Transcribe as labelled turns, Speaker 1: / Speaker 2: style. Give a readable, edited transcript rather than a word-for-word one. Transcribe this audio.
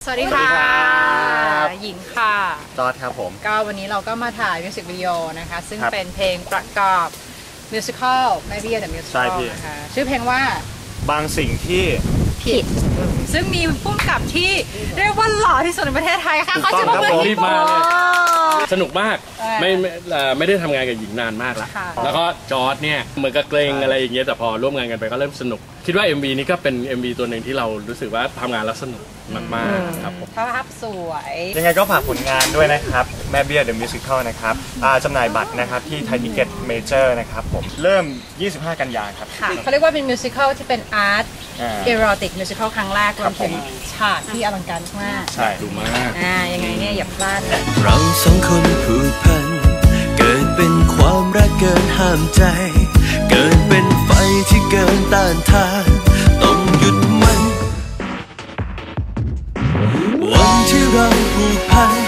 Speaker 1: วัสดีค่ะหญิงค่ะ
Speaker 2: จอร์จครับผม
Speaker 1: ก็วันนี้เราก็มาถ่ายมิวสิกวิดีโอนะคะซึ่งเป็นเพลงประกอบมิวสิควลแม่เบี้ยเดอะมิวสิควลนะคะชื่อเพลงว่า
Speaker 2: บางสิ่งที่
Speaker 1: ผิดซึ่งมีผู้กำกับที่เรียกว่าหล่อที่สุดในประเทศไทยค่ะเขาจะมาเป็น
Speaker 3: รีบมาเลยสนุกมากไม่ได้ทำงานกับหญิงนานมากแล้วแล้วก็จอร์จเนี่ยเหมือนกับเกรงอะไรอย่างเงี้ยแต่พอร่วมงานกันไปก็เริ่มสนุกคิดว่า MV นี้ก็เป็น MV ตัวหนึ่งที่เรารู้สึกว่าทำงานแล้วสนุกมากๆครับผม
Speaker 1: ภาพสวย
Speaker 2: ยังไงก็ฝากผลงานด้วยนะครับแม่เบี้ยเดอะมิวสิควลนะครับจำหน่ายบัตรนะครับที่ไทยทิเก็ตเมเจอร์นะครับผมเริ่ม25 กันยายนครับ
Speaker 1: เขาเรียกว่าเป็นมิวสิควลที่เป็นอาร์ตเอโรติกมิวสิควลครั้งแรกรวมถึงฉากที่อลังการมาก
Speaker 2: ใช่
Speaker 3: ดูมาก
Speaker 1: ยังไงเนี่ยอย่าพลาด
Speaker 4: เราสองคนผูกพันเกิดเป็นความรักเกินห้ามใจเกิดเป็นไฟที่เกินต้านทานต้องหยุดมันวันที่เราผูกพัน